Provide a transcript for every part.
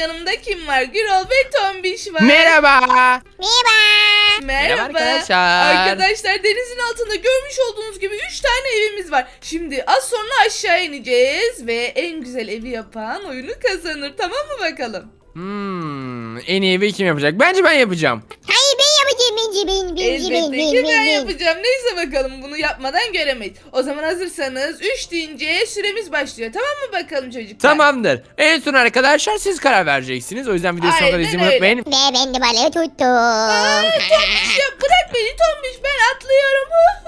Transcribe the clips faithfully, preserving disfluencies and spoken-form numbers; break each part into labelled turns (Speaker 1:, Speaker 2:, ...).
Speaker 1: yanımda kim var? Gürol ve Tombiş var.
Speaker 2: Merhaba.
Speaker 3: Merhaba.
Speaker 1: Merhaba.
Speaker 2: Merhaba arkadaşlar.
Speaker 1: Arkadaşlar denizin altında görmüş olduğunuz gibi üç tane evimiz var. Şimdi az sonra aşağı ineceğiz ve en güzel evi yapan oyunu kazanır. Tamam mı bakalım?
Speaker 2: Hmm, en iyi evi kim yapacak? Bence ben yapacağım.
Speaker 3: Hayır ben yapacağım bence ben bence ben
Speaker 1: Elbette
Speaker 3: ben
Speaker 1: ki ben
Speaker 3: ben ben.
Speaker 1: yapacağım. Neyse bakalım bunu yapmadan göremeyiz. O zaman hazırsanız üç deyince süremiz başlıyor. Tamam mı bakalım çocuklar?
Speaker 2: Tamamdır. En son arkadaşlar siz karar vereceksiniz. O yüzden videoyu sonuna kadar
Speaker 1: Aynen
Speaker 2: izlemeyi
Speaker 1: öyle.
Speaker 2: unutmayın.
Speaker 3: Ve ben de balığı tuttum.
Speaker 1: Aa, Tombiş ya bırak beni Tombiş, ben atlıyorum.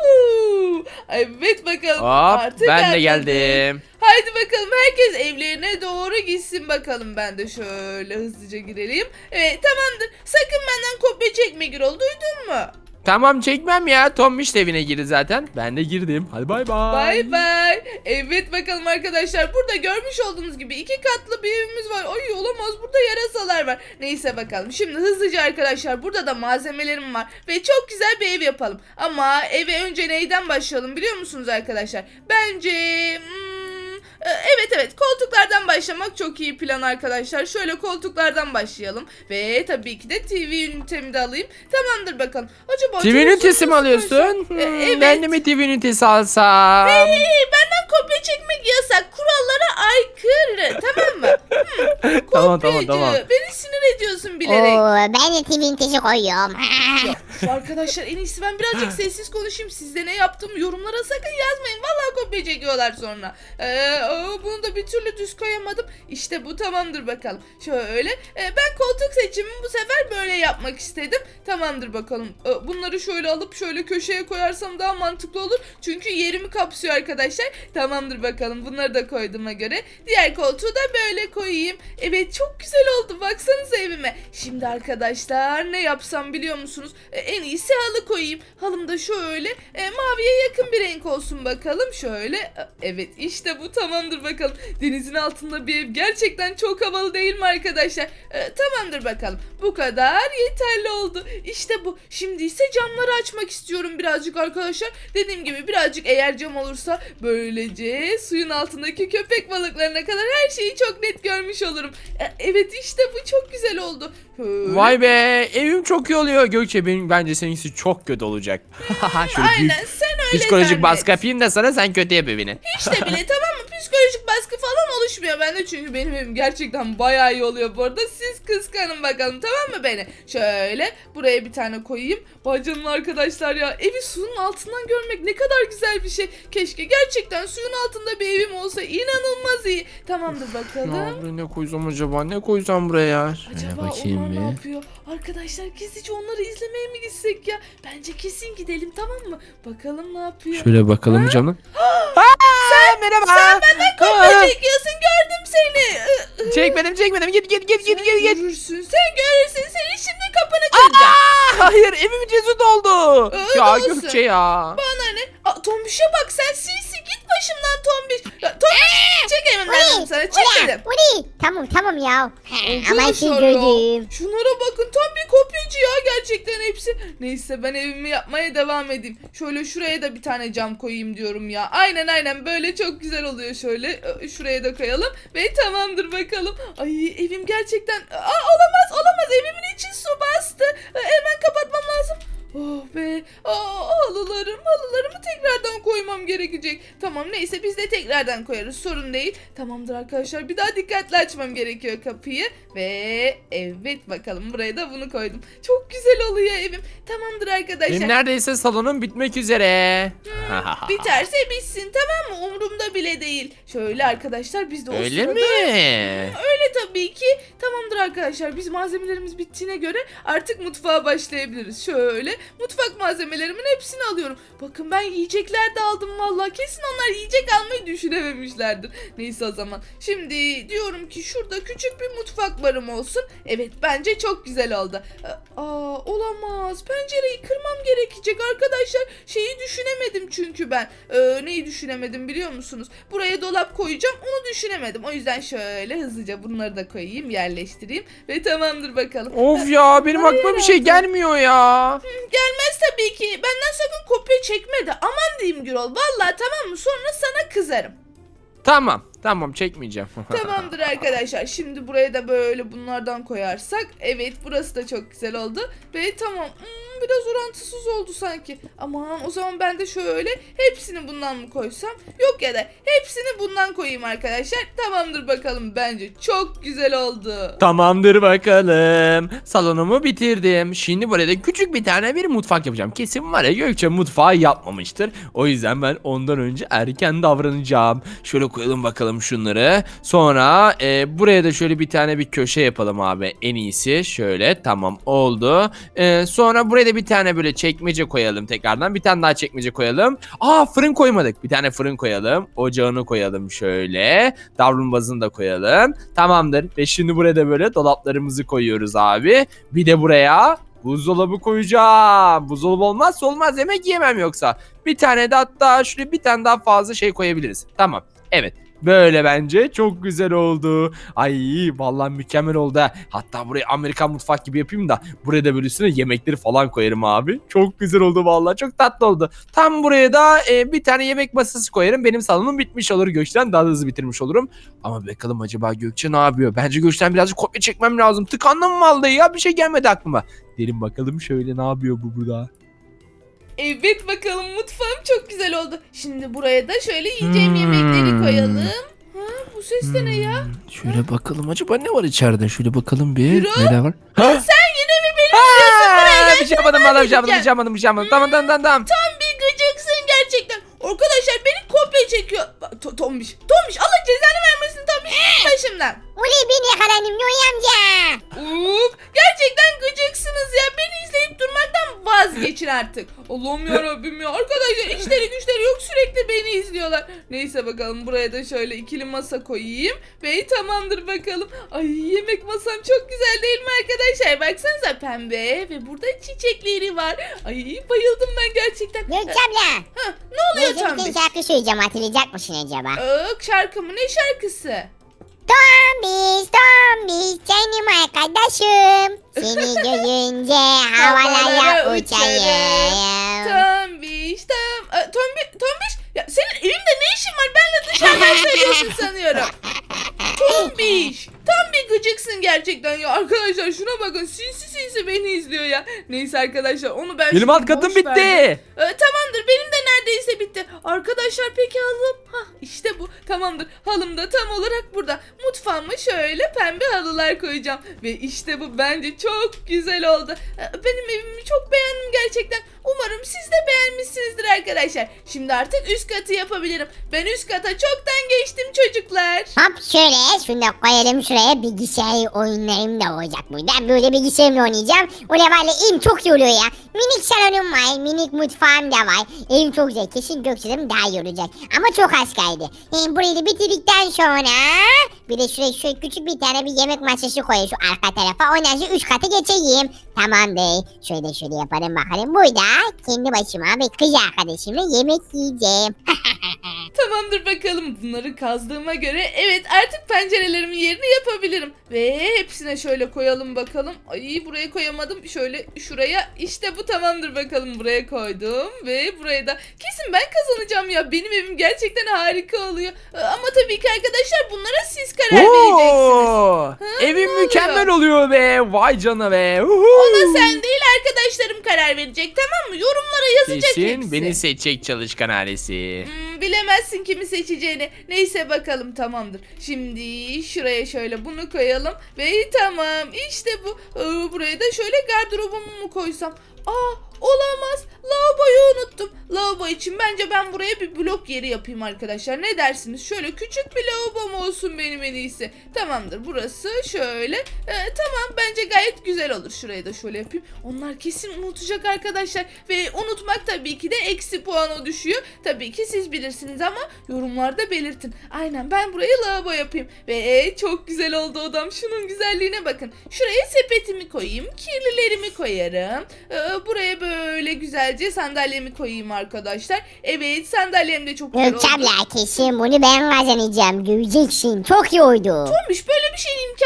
Speaker 1: Huhu. Evet bakalım.
Speaker 2: Hop,
Speaker 1: Artık
Speaker 2: ben de
Speaker 1: atladım.
Speaker 2: geldim.
Speaker 1: Haydi bakalım herkes evlerine doğru gitsin bakalım. Ben de şöyle hızlıca girelim. Evet tamamdır. Sakın benden kopya çekme Gürol, duydun mu?
Speaker 2: Tamam, çekmem ya. Tombiş de evine girdi zaten. Ben de girdim. Hadi bay bay.
Speaker 1: Bay bay. Evet bakalım arkadaşlar, burada görmüş olduğunuz gibi iki katlı bir evimiz var. Ay olamaz, burada yarasalar var. Neyse bakalım şimdi hızlıca arkadaşlar, burada da malzemelerim var. Ve çok güzel bir ev yapalım. Ama eve önce neyden başlayalım biliyor musunuz arkadaşlar? Bence... Hmm, Evet evet koltuklardan başlamak çok iyi plan arkadaşlar. Şöyle koltuklardan başlayalım. Ve tabii ki de T V ünitemi de alayım. Tamamdır bakalım. Acaba
Speaker 2: T V ünitesi mi alıyorsun?
Speaker 1: E,
Speaker 2: Hmm,
Speaker 1: evet.
Speaker 2: Ben de mi T V ünitesi alsam?
Speaker 1: Hey, hey, benden kopya çekmek yasak. Kurallara aykırı. Tamam mı? Hmm,
Speaker 2: Tamam, tamam,
Speaker 1: kopyacı.
Speaker 2: tamam.
Speaker 1: Beni sinir ediyorsun bilerek.
Speaker 3: Oo, ben de T V'nin taşı koyuyorum.
Speaker 1: Şu arkadaşlar en iyisi ben birazcık sessiz konuşayım. Sizde ne yaptım yorumlara sakın yazmayın. Vallahi kopya çekiyorlar sonra. Ee, o, bunu da bir türlü düz koyamadım. İşte bu tamamdır bakalım. Şöyle e, ben koltuk seçimimi bu sefer böyle yapmak istedim. Tamamdır bakalım. E, bunları şöyle alıp şöyle köşeye koyarsam daha mantıklı olur. Çünkü yerimi kapsıyor arkadaşlar. Tamamdır bakalım. Bunları da koyduğuma göre diğer koltuğu da böyle koyayım. Evet çok güzel oldu. Baksanıza evime. Şimdi arkadaşlar ne yapsam biliyor musunuz? E, en iyisi halı koyayım. Halım da şöyle e, maviye yakın bir renk olsun bakalım. Şöyle. E, evet işte bu tamamdır bakalım. Denizin altında bir ev gerçekten çok havalı değil mi arkadaşlar? E, tamamdır bakalım. Bu kadar yeterli oldu. İşte bu. Şimdi ise camları açmak istiyorum birazcık arkadaşlar. Dediğim gibi birazcık eğer cam olursa böylece suyun altındaki köpek balıklarına kadar her şeyi çok net görmüş olurum. E, evet işte bu çok güzel oldu. Şöyle.
Speaker 2: Vay be, evim çok iyi oluyor. Gökçe, benim bence seninkisi çok kötü olacak. Şöyle büyük
Speaker 1: Aynen sen öyle
Speaker 2: psikolojik
Speaker 1: zannet.
Speaker 2: baskı yapayım da sana, sen kötü yap evini.
Speaker 1: Hiç de bile tamam mı? Psikolojik baskı falan oluşmuyor bende çünkü benim evim gerçekten bayağı iyi oluyor bu arada. Siz kıskanın bakalım tamam mı beni? Şöyle buraya bir tane koyayım. Vay canına arkadaşlar ya, evi suyun altından görmek ne kadar güzel bir şey. Keşke gerçekten suyun altında bir evim olsa, inanılmaz iyi. Tamamdır bakalım.
Speaker 2: Ya, ne koysam acaba? Ne koysam buraya? Şöyle
Speaker 1: Acaba
Speaker 2: bakayım
Speaker 1: onlar
Speaker 2: bir.
Speaker 1: ne yapıyor? Arkadaşlar gizlice onları izlemeye mi gitsek ya? Bence kesin gidelim tamam mı? Bakalım ne yapıyor?
Speaker 2: Şöyle bakalım canım. Sen merhaba.
Speaker 1: Sen benden kopya çekiyorsun, gördüm seni.
Speaker 2: Çekmedim çekmedim. Git git git git
Speaker 1: Sen
Speaker 2: git git.
Speaker 1: görürsün, sen görürsün. Senin şimdi kapını kıracağım.
Speaker 2: Aa, hayır, evim cesur doldu.
Speaker 1: Öyle
Speaker 2: Ya
Speaker 1: olsun.
Speaker 2: Gökçe ya.
Speaker 1: Bana ne? Aa, Tombiş'e bak sen sinsi, git başımdan Tombiş. Ya, Tombiş çek evimden dedim sana, çek dedim.
Speaker 3: Bu ne? Tamam tamam ya. Ama
Speaker 1: Arkadaşlar
Speaker 3: siz
Speaker 1: ya,
Speaker 3: gördüm.
Speaker 1: şunlara bakın, tam bir kopyacı ya gerçekten hepsi. Neyse ben evimi yapmaya devam edeyim. Şöyle şuraya da bir tane cam koyayım diyorum ya. Aynen aynen böyle çok güzel oluyor. Şöyle e, şuraya da koyalım ve tamamdır bakalım. Ay evim gerçekten... Aa, olamaz olamaz, evimin içi su bastı. E, hemen kapatmam lazım. Oh be. Aa, halılarım halılarımı tekrardan koymam gerekecek. Tamam neyse biz de tekrardan koyarız, sorun değil. Tamamdır arkadaşlar, bir daha dikkatli açmam gerekiyor kapıyı. Ve evet bakalım buraya da bunu koydum. Çok güzel oluyor evim. Tamamdır arkadaşlar.
Speaker 2: Benim neredeyse salonum bitmek üzere.
Speaker 1: Biterse bitsin tamam mı? Umurumda bile değil. Şöyle arkadaşlar biz de o
Speaker 2: Öyle
Speaker 1: sırada...
Speaker 2: mi?
Speaker 1: Öyle tabii ki. Tamamdır arkadaşlar, biz malzemelerimiz bittiğine göre artık mutfağa başlayabiliriz. Şöyle mutfak malzemelerimin hepsini alıyorum. Bakın ben yiyecekler de aldım vallahi. Kesin onlar yiyecek almayı düşünememişlerdir. Neyse o zaman. Şimdi diyorum ki şurada küçük bir mutfak barım olsun. Evet bence çok güzel oldu. Aa olamaz. Pencereyi kırmam gerekecek arkadaşlar. Şeyi düşünemedim çünkü ben. Ee, neyi düşünemedim biliyor musunuz? Buraya dolap koyacağım. Onu düşünemedim. O yüzden şöyle hızlıca bunları da koyayım, yerleştireyim ve tamamdır bakalım.
Speaker 2: Of ya, benim
Speaker 1: Ay,
Speaker 2: aklıma bir şey
Speaker 1: hayatım.
Speaker 2: gelmiyor ya.
Speaker 1: Gelmez tabii ki. Benden sakın kopya çekme de. Aman diyeyim Gürol. Vallahi tamam mı? Sonra sana kızarım.
Speaker 2: Tamam. Tamam çekmeyeceğim.
Speaker 1: Tamamdır arkadaşlar. Şimdi buraya da böyle bunlardan koyarsak. Evet, burası da çok güzel oldu. Ve tamam. Hmm, biraz orantısız oldu sanki. Aman, o zaman ben de şöyle hepsini bundan mı koysam? Yok, ya da hepsini bundan koyayım arkadaşlar. Tamamdır bakalım. Bence çok güzel oldu.
Speaker 2: Tamamdır bakalım. Salonumu bitirdim. Şimdi buraya da küçük bir tane bir mutfak yapacağım. Kesin var ya, Gökçe mutfağı yapmamıştır. O yüzden ben ondan önce erken davranacağım. Şöyle koyalım bakalım şunları. Sonra e, buraya da şöyle bir tane bir köşe yapalım abi. En iyisi şöyle, tamam oldu. E, sonra buraya da bir tane böyle çekmece koyalım tekrardan. Bir tane daha çekmece koyalım. Aa, fırın koymadık. Bir tane fırın koyalım. Ocağını koyalım şöyle. Davlumbazını da koyalım. Tamamdır. Ve şimdi buraya da böyle dolaplarımızı koyuyoruz abi. Bir de buraya buzdolabı koyacağım. Buzdolabı olmazsa olmaz, yemek yemem yoksa. Bir tane de, hatta şuraya bir tane daha fazla şey koyabiliriz. Tamam. Evet. Böyle bence çok güzel oldu. Ay vallahi mükemmel oldu ha. Hatta burayı Amerikan mutfak gibi yapayım da buraya da böyle üstüne yemekleri falan koyarım abi. Çok güzel oldu vallahi, çok tatlı oldu. Tam buraya da e, bir tane yemek masası koyarım. Benim salonum bitmiş olur, Gökçe'den daha da hızlı bitirmiş olurum. Ama bakalım acaba Gökçe ne yapıyor? Bence Gökçe'den birazcık kopya çekmem lazım. Tıkandım vallahi ya, bir şey gelmedi aklıma. Derin bakalım şöyle, ne yapıyor bu burada?
Speaker 1: Evet bakalım, mutfağım çok güzel oldu. Şimdi buraya da şöyle yiyeceğim yemekleri koyalım. Ha, bu ses de ne ya?
Speaker 2: Şöyle bakalım acaba ne var içeride? Şöyle bakalım bir.
Speaker 1: Gürol?
Speaker 2: Neler var?
Speaker 1: Sen yine mi beni izliyorsun? Buraya
Speaker 2: Bir şey yapmadım, vallahi bir şey yapmadım, bir
Speaker 1: gideceğim.
Speaker 2: şey yapmadım, bir şey yapmadım. Tamam tamam tamam tamam.
Speaker 1: Tam bir gıcıksın gerçekten. Arkadaşlar beni kopya çekiyor. Bak, To- Tombiş. Tombiş, Allah cezanı vermesin Tombiş. Git başımdan.
Speaker 3: Oley, beni yakalandım Noy amca.
Speaker 1: Uf, gerçekten gıcıksınız ya. Beni izleyip durmaktan vazgeçin artık. Allah'ım yarabbim ya. Arkadaşlar işleri güçleri yok, sürekli beni izliyorlar. Neyse bakalım, buraya da şöyle ikili masa koyayım. Ve tamamdır bakalım. Ay, yemek masam çok güzel değil mi arkadaşlar? Baksanıza, pembe ve burada çiçekleri var. Ay, bayıldım ben gerçekten.
Speaker 3: Gökçe abla.
Speaker 1: Ha, ne oluyor
Speaker 3: Neyse, bir
Speaker 1: Tombiş?
Speaker 3: tane şarkı söyleyeceğim, hatırlayacak mısın acaba?
Speaker 1: Iık, şarkı mı? Ne şarkısı?
Speaker 3: Tombiş, Tombiş, canım arkadaşım. Seni görünce havalara
Speaker 1: Havalara
Speaker 3: uçayım.
Speaker 1: Tombiş, tom, e, tombi, tombiş. Ya senin evinde ne işin var? Benle dışarıdan söylüyorsun sanıyorum. Tombiş. Tam bir gıcıksın gerçekten ya. Arkadaşlar şuna bakın, sinsi sinsi beni izliyor ya. Neyse arkadaşlar, onu ben
Speaker 2: Benim
Speaker 1: şimdi
Speaker 2: alt katım
Speaker 1: boş
Speaker 2: bitti.
Speaker 1: verdim. Ee, tamamdır, benim de neredeyse bitti. Arkadaşlar peki halım? Hah, işte bu. Tamamdır, halım da tam olarak burada. Mutfağıma şöyle pembe halılar koyacağım. Ve işte bu bence çok güzel oldu. Ee, benim evimi çok beğendim gerçekten. Umarım siz de beğenmişsinizdir arkadaşlar. Şimdi artık üst katı yapabilirim. Ben üst kata çoktan geçtim çocuklar.
Speaker 3: Hop şöyle, şunu da koyalım şuraya, bilgisayar oyunlarım da olacak burada. Ben böyle bilgisayarımla oynayacağım. O ne var ya, evim çok iyi oluyor ya. Minik salonum var, minik mutfağım da var. Evim çok güzel, kesin Gökçe'lerim daha iyi olacak. Ama çok az kaldı. Hem burayı da bitirdikten sonra bir de şuraya şöyle küçük bir tane bir yemek masası koyayım şu arka tarafa. Ondan sonra üst kata geçeyim. Tamam bey. Şöyle şöyle yapalım bakalım. Burada kendi başıma ve kız arkadaşımla yemek yiyeceğim.
Speaker 1: Tamamdır bakalım, bunları kazdığıma göre evet, artık pencerelerimin yerini yapabilirim. Ve hepsine şöyle koyalım bakalım. Ay, buraya koyamadım, şöyle şuraya, işte bu. Tamamdır bakalım, buraya koydum. Ve buraya da kesin ben kazanacağım ya, benim evim gerçekten harika oluyor. Ee, Ama tabii ki arkadaşlar, bunlara siz karar vereceksiniz.
Speaker 2: Oo,
Speaker 1: ne
Speaker 2: evim
Speaker 1: oluyor?
Speaker 2: mükemmel oluyor be. Vay canına be.
Speaker 1: Ona sen değil, arkadaşlarım karar verecek, tamam mı? Yorumlara yazacak
Speaker 2: Kesin
Speaker 1: hepsi.
Speaker 2: beni seçecek çalışkan ailesi.
Speaker 1: Hmm, bilemezsin kimi seçeceğini. Neyse bakalım, tamamdır. Şimdi şuraya şöyle bunu koyalım. Ve tamam, işte bu. Ee, buraya da şöyle gardırobumu mu koysam? Aa, olamaz. Lavaboyu unuttum. Lavabo için bence ben buraya bir blok yeri yapayım arkadaşlar. Ne dersiniz? Şöyle küçük bir lavabom olsun benim en iyisi. Tamamdır, burası şöyle. Ee, tamam, bence gayet güzel olur. Şuraya da şöyle yapayım. Onlar kesin unutacak arkadaşlar. Ve unutmak tabii ki de eksi puana düşüyor. Tabii ki siz bilirsiniz ama yorumlarda belirtin. Aynen, ben burayı lavabo yapayım. Ve çok güzel oldu odam. Şunun güzelliğine bakın. Şuraya sepetimi koyayım. Kirlilerimi koyarım. Ee, buraya böyle güzelce sandalyemi koyayım arkadaşlar. Evet, sandalyem de çok güzel
Speaker 3: Gökçe
Speaker 1: oldu.
Speaker 3: abla, kesin bunu ben kazanacağım. Göreceksin, çok iyi oldu.
Speaker 1: Olmuş, böyle bir şeyin imkanı yok. Ben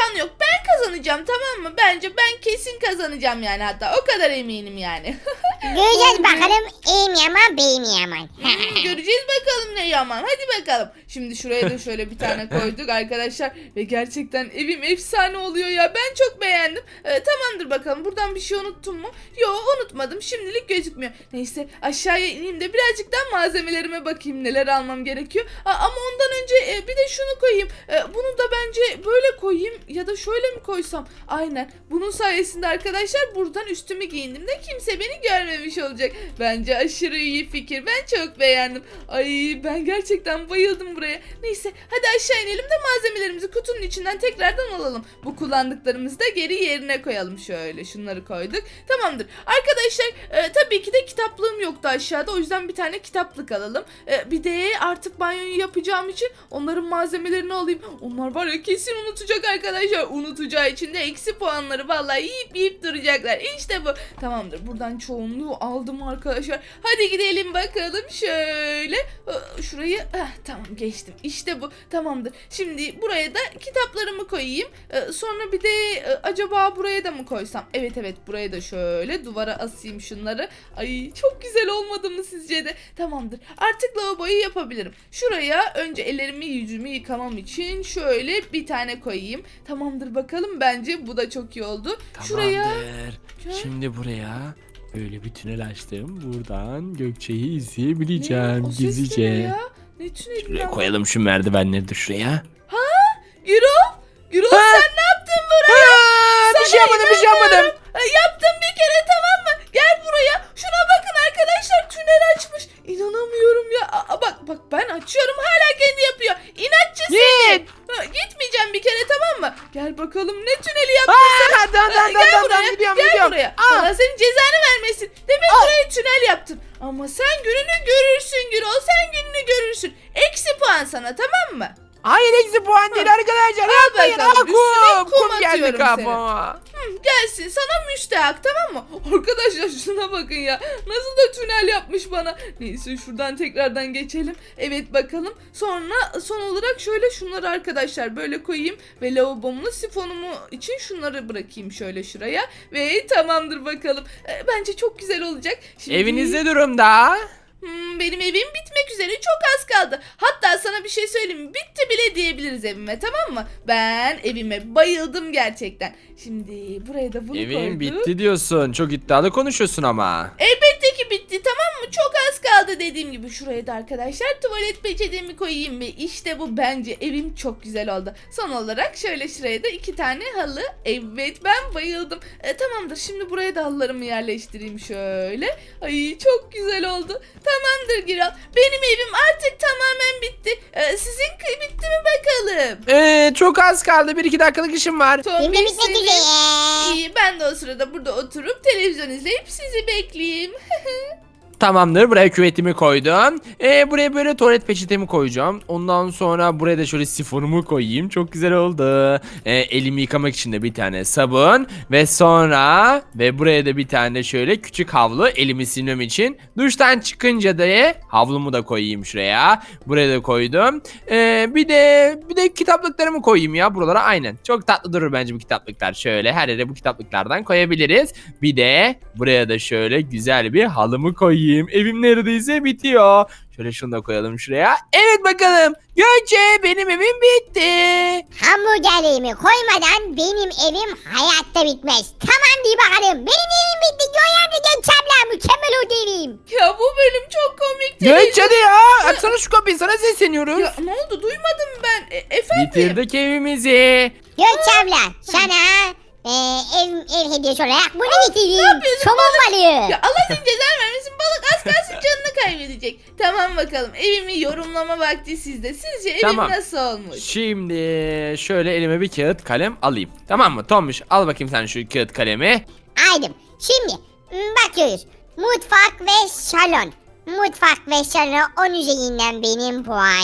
Speaker 1: ben kazanacağım, tamam mı? Bence ben kesin kazanacağım yani, hatta o kadar eminim yani.
Speaker 3: Göreceğiz bakalım iyi mi yaman bey mi yaman.
Speaker 1: Hmm, göreceğiz bakalım ne yaman. Hadi bakalım. Şimdi şuraya da şöyle bir tane koyduk arkadaşlar. Ve gerçekten evim efsane oluyor ya. Ben çok beğendim. Ee, tamamdır bakalım. Buradan bir şey unuttum mu? Yok, unutmadım. Şimdilik gözükmüyor. Neyse, aşağıya ineyim de birazcık daha malzemelerime bakayım. Neler almam gerekiyor. Aa, ama ondan önce e, bir de şunu koyayım. E, bunu da bence böyle koyayım. Ya da şöyle mi koysam? Aynen. Bunun sayesinde arkadaşlar buradan üstümü giyindiğimde kimse beni görmemiş olacak. Bence aşırı iyi fikir. Ben çok beğendim. Ay, ben gerçekten bayıldım buraya. Neyse, hadi aşağı inelim de malzemelerimizi kutunun içinden tekrardan alalım. Bu kullandıklarımızı da geri yerine koyalım. Şöyle şunları koyduk. Tamamdır. Arkadaşlar e, tabii ki de kitaplığım yoktu aşağıda. O yüzden bir tane kitaplık alalım. E, bir de artık banyoyu yapacağım için onların malzemelerini alayım. Onlar var ya, kesin unutacak arkadaşlar. Unutacağı için de eksi puanları vallahi yiyip yiyip duracaklar. İşte bu. Tamamdır. Buradan çoğunluğu aldım arkadaşlar. Hadi gidelim bakalım şöyle. Şurayı ah, tamam geçtim. İşte bu. Tamamdır. Şimdi buraya da kitaplarımı koyayım. Sonra bir de acaba buraya da mı koysam? Evet evet, buraya da şöyle duvara asayım şunları. Ay, çok güzel olmadı mı sizce de? Tamamdır. Artık lavaboyu yapabilirim. Şuraya önce ellerimi yüzümü yıkamam için şöyle bir tane koyayım. Tamamdır bakalım. Bence bu da çok iyi oldu.
Speaker 2: Tamamdır.
Speaker 1: Şuraya.
Speaker 2: Şimdi buraya böyle bir tünel açtım. Buradan Gökçe'yi
Speaker 1: Ne?
Speaker 2: izleyebileceğim
Speaker 1: O ses ne
Speaker 2: gizlice.
Speaker 1: ya? Ne tüneli
Speaker 2: Şuraya
Speaker 1: ya?
Speaker 2: koyalım şu merdivenleri de şuraya.
Speaker 1: Gürol? Gürol
Speaker 2: Ha?
Speaker 1: sen ne yaptın buraya?
Speaker 2: Aa, bir şey yapmadım, bir şey yapmadım.
Speaker 1: Ha, yaptım bir kere, tamam mı? Gel buraya. Şuna bakın arkadaşlar, tünel açmış. İnanamıyorum ya. Aa, bak bak, ben açıyorum hala kendi yapıyor. İnatçı seni.
Speaker 2: Git.
Speaker 1: Ha, gitmeyeceğim bir kere, tamam mı? Gel bakalım ne tüneli yaptın sen.
Speaker 2: Aa, tamam
Speaker 1: Ha,
Speaker 2: tamam
Speaker 1: gel
Speaker 2: tamam
Speaker 1: buraya.
Speaker 2: tamam gidiyorum
Speaker 1: Gel
Speaker 2: gidiyorum.
Speaker 1: buraya.
Speaker 2: Aa.
Speaker 1: Allah senin cezanı vermesin. Demek buraya tünel yaptın. Ama sen gününü görürsün Gürol. Sen gününü görürsün. Eksi puan sana, tamam mı?
Speaker 2: Hayır, eksi puan değil arkadaşlar.
Speaker 1: Al
Speaker 2: Yapmayın.
Speaker 1: bakalım,
Speaker 2: Aa,
Speaker 1: üstüne
Speaker 2: kum,
Speaker 1: kum
Speaker 2: kum geldi
Speaker 1: atıyorum
Speaker 2: kafama.
Speaker 1: Hı, gelsin sana müstehak, tamam mı? Arkadaşlar şuna bakın ya. Nasıl da tünel yapmış bana. Neyse, şuradan tekrardan geçelim. Evet bakalım. Sonra son olarak şöyle şunları arkadaşlar böyle koyayım. Ve lavabomu, sifonumu için şunları bırakayım şöyle şuraya. Ve tamamdır bakalım. E, bence çok güzel olacak. Şimdi...
Speaker 2: Evinizde durumda.
Speaker 1: Hmm, benim evim bitmek üzere, çok az kaldı. Hatta sana bir şey söyleyeyim mi? Bitti bile diyebiliriz evime, tamam mı? Ben evime bayıldım gerçekten. Şimdi buraya da bunu
Speaker 2: Evin
Speaker 1: koyduk.
Speaker 2: bitti diyorsun. Çok iddialı konuşuyorsun ama.
Speaker 1: Elbette ki bitti, tamam mı? Çok az kaldı dediğim gibi. Şuraya da arkadaşlar tuvalet peçetemi koyayım ve işte bu, bence evim çok güzel oldu. Son olarak şöyle şuraya da iki tane halı. Evet, ben bayıldım. E, tamamdır, şimdi buraya da halılarımı yerleştireyim şöyle. Ay, çok güzel oldu. Tamamdır Giral. Benim evim artık tamamen bitti. E, sizin bitti mi bakalım?
Speaker 2: Ee, çok az kaldı. Bir iki dakikalık işim var.
Speaker 3: Benim de
Speaker 1: Tombiş
Speaker 3: bitmek
Speaker 1: senin-
Speaker 3: üzere.
Speaker 1: İyi, ben de o sırada burada oturup televizyon izleyip sizi bekleyeyim.
Speaker 2: Tamamdır. Buraya küvetimi koydum. Ee, buraya böyle tuvalet peçetemi koyacağım. Ondan sonra buraya da şöyle sifonumu koyayım. Çok güzel oldu. Ee, elimi yıkamak için de bir tane sabun. Ve sonra ve buraya da bir tane şöyle küçük havlu, elimi silmem için. Duştan çıkınca da havlumu da koyayım şuraya. Buraya da koydum. Ee, bir de bir de kitaplıklarımı koyayım ya buralara, aynen. Çok tatlı durur bence bu kitaplıklar. Şöyle her yere bu kitaplıklardan koyabiliriz. Bir de buraya da şöyle güzel bir halımı koyayım. Evim neredeyse bitiyor. Şöyle şunu da koyalım şuraya. Evet bakalım. Gökçe, benim evim bitti.
Speaker 3: Hamburgerimi koymadan benim evim hayatta bitmez. Tamam diye bakalım. Benim evim bitti. Göğen de geçemler. Mükemmel oldu evim.
Speaker 1: Ya bu bölüm çok komik.
Speaker 2: Gökçe hadi ya. Açsana şu kapıyı, sana sesleniyoruz.
Speaker 1: Ya ne oldu, duymadım ben. E, efendim?
Speaker 2: Bitirdik evimizi.
Speaker 3: Gökçemler sana e, ev, ev hediyesi olarak bunu getirdim.
Speaker 1: yapıyorsun
Speaker 3: Somon balığı.
Speaker 1: Ya Allah senin cezanı vermesin, balık az kalsın canını kaybedecek. Tamam bakalım, evimi yorumlama vakti sizde. Sizce evim
Speaker 2: Tamam.
Speaker 1: nasıl olmuş?
Speaker 2: Şimdi şöyle elime bir kağıt kalem alayım. Tamam mı? Tombiş, al bakayım sen şu kağıt kalemi.
Speaker 3: Aydım. Şimdi m, bakıyoruz. Mutfak ve salon. Mutfak ve salon on üzerinden benim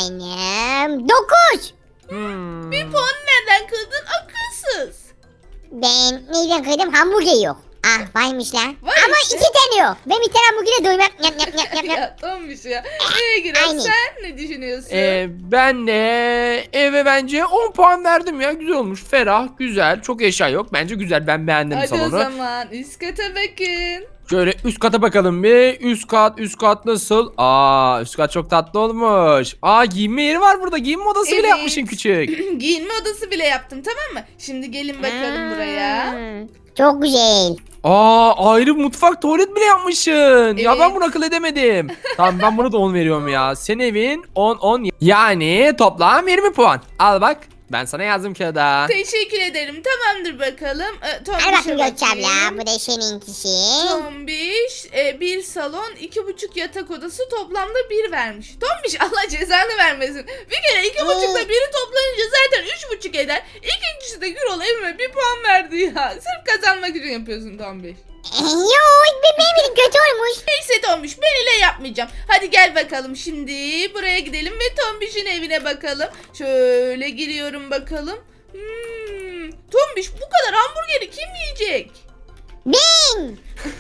Speaker 3: puanım dokuz.
Speaker 2: Hmm.
Speaker 1: Bir puan nereden kırdın akılsız?
Speaker 3: Ben neyden kırdım? Hamburger yok. Ah varmış lan.
Speaker 1: Var
Speaker 3: Ama
Speaker 1: işte.
Speaker 3: iki tane yok. Ben bir tane bugüne doymam. Yap yap yap yap yap.
Speaker 1: Ya Tombiş ya. Neye Gürol
Speaker 3: Aynen.
Speaker 1: sen ne düşünüyorsun?
Speaker 2: Ee, ben de eve bence on puan verdim ya. Güzel olmuş. Ferah, güzel. Çok eşya yok. Bence güzel. Ben beğendim
Speaker 1: Hadi o
Speaker 2: salonu.
Speaker 1: zaman üst kata bakın.
Speaker 2: Şöyle üst kata bakalım bir. Üst kat, üst kat nasıl? Aa, üst kat çok tatlı olmuş. Aa, giyinme yeri var burada. Giyinme odası bile
Speaker 1: Evet.
Speaker 2: yapmışsın küçük.
Speaker 1: Giyinme odası bile yaptım tamam mı? Şimdi gelin bakalım buraya.
Speaker 3: Hmm, Çok güzel.
Speaker 2: Aa, ayrı mutfak, tuvalet bile yapmışsın. Ya ben
Speaker 1: Evet.
Speaker 2: bunu akıl edemedim. Tamam, ben bunu da on veriyorum ya. Senin evin on on. Yani toplam yirmi puan. Al bak. Ben sana yazdım kağıda.
Speaker 1: Teşekkür ederim. Tamamdır bakalım. Ee,
Speaker 3: Hadi
Speaker 1: Tombiş'e
Speaker 3: bakayım Gökçe abla.
Speaker 1: bakayım.
Speaker 3: Bu da seninkisi.
Speaker 1: Tombiş e, bir salon iki buçuk yatak odası toplamda bir vermiş. Tombiş Allah cezanı vermesin. Bir kere iki buçukla biri toplayınca zaten üç buçuk eder. İkincisi de Gürol evime bir puan verdi ya. Sırf kazanmak için yapıyorsun Tombiş.
Speaker 3: Yok ben beğenmedim kötü olmuş.
Speaker 1: Neyse Tombiş ben ile yapmayacağım. Hadi gel bakalım şimdi buraya gidelim ve Tombiş'in evine bakalım. Şöyle giriyorum bakalım. Hmm, Tombiş bu kadar hamburgeri kim yiyecek?
Speaker 3: Ben.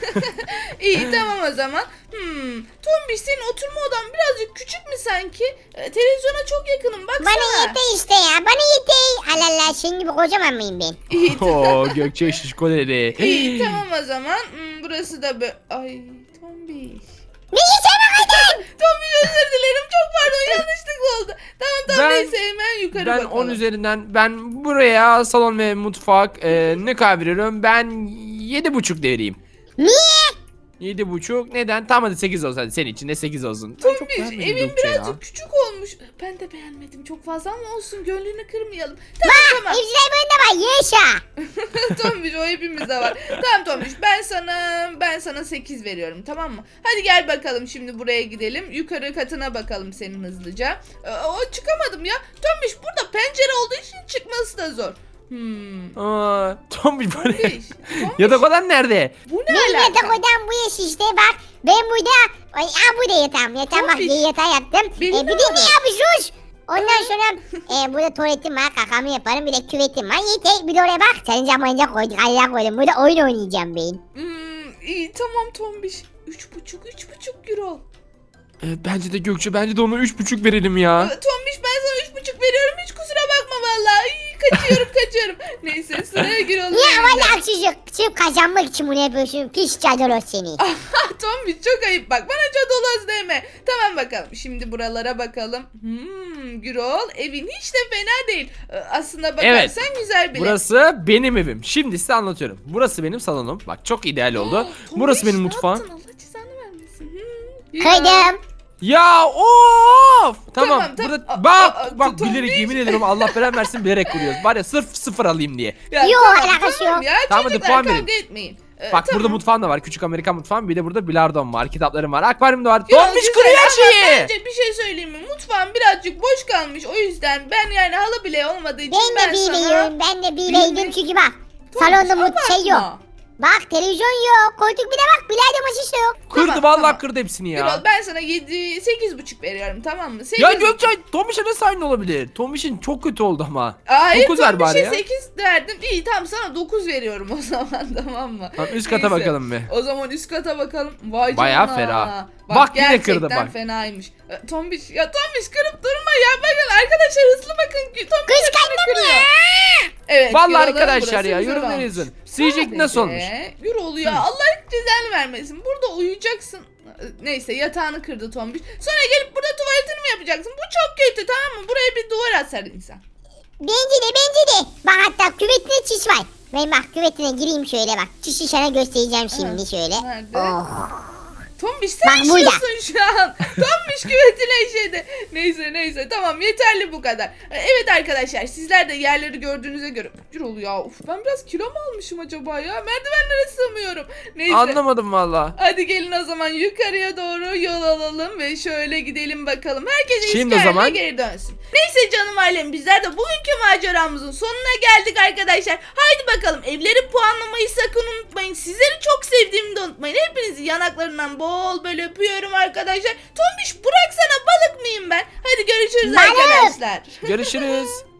Speaker 1: İyi tamam o zaman. Hmm, Tombiş senin oturma odan birazcık küçük mü sanki? Ee, televizyona çok yakınım baksana.
Speaker 3: Bana yeter işte ya. Bana yeter. Allah Allah senin gibi kocaman mıyım ben?
Speaker 1: İyi,
Speaker 2: Oo, Gökçe şişko dedi.
Speaker 1: iyi tamam o zaman. Hmm, burası da böyle... Ay Tombiş.
Speaker 3: Ne yiyeceğim kadar?
Speaker 1: Tombiş özür dilerim çok pardon yanlışlıkla oldu. Tamam tamam
Speaker 2: Ben-
Speaker 1: neyse hemen yukarı
Speaker 2: Ben
Speaker 1: bakalım.
Speaker 2: on üzerinden ben buraya salon ve mutfak e, ne kadar veriyorum? Ben yedi buçuk vereyim.
Speaker 3: Niye?
Speaker 2: Yedi buçuk. Neden? Tamam hadi sekiz olsun. Hadi senin için de sekiz olsun.
Speaker 1: Tombiş
Speaker 2: beğenmedim
Speaker 1: evin
Speaker 2: Gökçe ya.
Speaker 1: birazcık küçük olmuş. Ben de beğenmedim çok fazla ama olsun gönlünü kırmayalım. Tamam tamam.
Speaker 3: Evciler bölümünde var. Yaşa.
Speaker 1: Tombiş o hepimizde var. Tamam Tombiş ben sana ben sana sekiz veriyorum tamam mı? Hadi gel bakalım şimdi buraya gidelim. Yukarı katına bakalım senin hızlıca. Ee, o çıkamadım ya. Tombiş burada pencere olduğu için çıkması da zor. Hmm.
Speaker 2: Aa, Tombiş böyle.
Speaker 1: Tombiş. Tombiş.
Speaker 2: Yatak odan nerede?
Speaker 1: Bu ne
Speaker 3: Benim
Speaker 1: alaka?
Speaker 3: yatak odam bu yaş işte bak. Ben burada. Ay aa, burada yatağım. Yatağım bak
Speaker 1: Tombiş.
Speaker 3: diye yatağı yaptım.
Speaker 1: Benim
Speaker 3: E, bir
Speaker 1: de
Speaker 3: de
Speaker 1: var.
Speaker 3: ne yapıyorsunuz? Ondan sonra e, burada tuvaletim var. Kakamı yaparım. Bir de küvetim var. Yeter. Bir de oraya bak. Senin zamanınca koyduk. Allah koydum. Burada oyun oynayacağım ben.
Speaker 1: Hmm, iyi tamam Tombiş. Üç buçuk üç buçuk euro.
Speaker 2: E, bence de Gökçe, bence de ona üç buçuk verelim ya.
Speaker 1: Ee, Tombiş ben sana üç buçuk veriyorum. Hiç kusura bakma vallahi. İyi, kaçıyorum kaçıyorum. Neyse sıraya gir oğlum.
Speaker 3: Niye valla haksızlık? Sırf kazanmak için bunu yapıyorsun. Pis cadolos seni.
Speaker 1: Tombiş çok ayıp bak bana cadoloz deme. Tamam bakalım şimdi buralara bakalım. Hmm, Gürol evin hiç de fena değil. Ee, Aslında bakarsan güzel bile.
Speaker 2: Burası benim evim. Şimdi size anlatıyorum. Burası benim salonum. Bak çok ideal oldu.
Speaker 1: Aa, Tombiş,
Speaker 2: Burası benim
Speaker 1: ne
Speaker 2: mutfağım.
Speaker 1: yaptın? Allah cezanı vermesin. Hmm, ya.
Speaker 3: Kıydım.
Speaker 2: Ya of! Tamam,
Speaker 1: Tamam, tamam.
Speaker 2: burada
Speaker 1: Aa,
Speaker 2: bak
Speaker 1: aa,
Speaker 2: bak
Speaker 1: Tombiş.
Speaker 2: bilerek yemin ederim Allah belanı versin bilerek kuruyoruz. Var ya sırf sıfır alayım diye.
Speaker 1: Ya,
Speaker 3: Yok,
Speaker 1: tamam,
Speaker 3: alakası
Speaker 1: tamam
Speaker 3: yok.
Speaker 1: Ya,
Speaker 2: Tamam, hadi
Speaker 1: çocuklar
Speaker 2: puan
Speaker 1: kavga
Speaker 2: verin.
Speaker 1: etmeyin. Ee,
Speaker 2: Bak burada
Speaker 1: tamam.
Speaker 2: mutfağım da var. Küçük Amerikan mutfağım. Bir de burada bilardom var. Kitaplarım var. Akvaryum da var.
Speaker 1: Ya,
Speaker 2: Tombiş
Speaker 1: güzel
Speaker 2: kırıyor her
Speaker 1: ama
Speaker 2: şeyi.
Speaker 1: Bence bir şey söyleyeyim mi? Mutfağım birazcık boş kalmış. O yüzden ben yani halı bile olmadığı için
Speaker 3: Ben de bir
Speaker 1: sana...
Speaker 3: veriyorum. Ben de bir
Speaker 1: Bir
Speaker 3: verdim
Speaker 1: mi?
Speaker 3: çünkü bak.
Speaker 1: Tombiş,
Speaker 3: Salonda mut şey yok.
Speaker 1: abartma.
Speaker 3: Bak televizyon yok. Koltuk bir de bak. Bilardo masası yok.
Speaker 2: Kırdı
Speaker 1: Tamam,
Speaker 2: vallahi
Speaker 1: tamam.
Speaker 2: kırdı hepsini ya.
Speaker 1: Gürol ben sana yedi sekiz buçuk veriyorum tamam mı? sekiz
Speaker 2: Ya Gökçe Tombiş'e nasıl aynı olabilir? Tombiş'in çok kötü oldu ama.
Speaker 1: Hayır
Speaker 2: dokuz ver bari ya.
Speaker 1: sekiz verdim. İyi tamam sana dokuz veriyorum o zaman tamam mı?
Speaker 2: Tamam, üst kata
Speaker 1: Neyse.
Speaker 2: bakalım bir.
Speaker 1: O zaman üst kata bakalım. Vay
Speaker 2: Bayağı
Speaker 1: canına.
Speaker 2: ferah.
Speaker 1: Bak,
Speaker 2: Bak yine
Speaker 1: gerçekten
Speaker 2: kırdı bak.
Speaker 1: fenaymış. E, Tombiş ya Tombiş kırıp durma ya. Bakın arkadaşlar hızlı bakın. Tombiş
Speaker 3: Kıskandım
Speaker 1: kırıyor.
Speaker 3: ya.
Speaker 1: Evet.
Speaker 2: Vallahi
Speaker 1: Gürol'un
Speaker 2: arkadaşlar
Speaker 1: burası
Speaker 2: ya,
Speaker 1: güzel
Speaker 2: yorumları
Speaker 1: olmuş.
Speaker 2: yazın. Sizce
Speaker 1: Sadece
Speaker 2: nasıl olmuş?
Speaker 1: Gürol ya Allah cezanı vermesin. Burada uyuyacaksın. Neyse yatağını kırdı Tombiş. Sonra gelip burada tuvaletini mi yapacaksın? Bu çok kötü tamam mı? Buraya bir duvar asar insan.
Speaker 3: Bence de bence de. Bak hatta küvetine çiş var. Ben bak küvetine gireyim şöyle bak. Çişi sana göstereceğim şimdi
Speaker 1: Evet.
Speaker 3: şöyle.
Speaker 1: Nerede?
Speaker 3: Oh.
Speaker 1: Tombiş sen
Speaker 3: Bak burada.
Speaker 1: işiyorsun şu an. Tombiş küvetine işedi. Neyse neyse tamam yeterli bu kadar. Ee, Evet arkadaşlar sizler de yerleri gördüğünüze göre. Gürol ya uf, ben biraz kilo mu almışım acaba ya? Merdivenlere sığmıyorum. Neyse.
Speaker 2: Anlamadım valla.
Speaker 1: Hadi gelin o zaman yukarıya doğru yol alalım ve şöyle gidelim bakalım. Herkes
Speaker 2: Şimdi o
Speaker 1: eski haline
Speaker 2: zaman-
Speaker 1: geri dönsün. Neyse canım ailem bizler de bugünkü maceramızın sonuna geldik arkadaşlar. Haydi bakalım evleri puanlamayı sakın unutmayın. Sizleri çok sevdiğimi de unutmayın. Hepinizi yanaklarından bol böyle öpüyorum arkadaşlar. Tombiş bıraksana balık mıyım ben? Hadi görüşürüz
Speaker 3: Balık.
Speaker 1: arkadaşlar.
Speaker 2: Görüşürüz.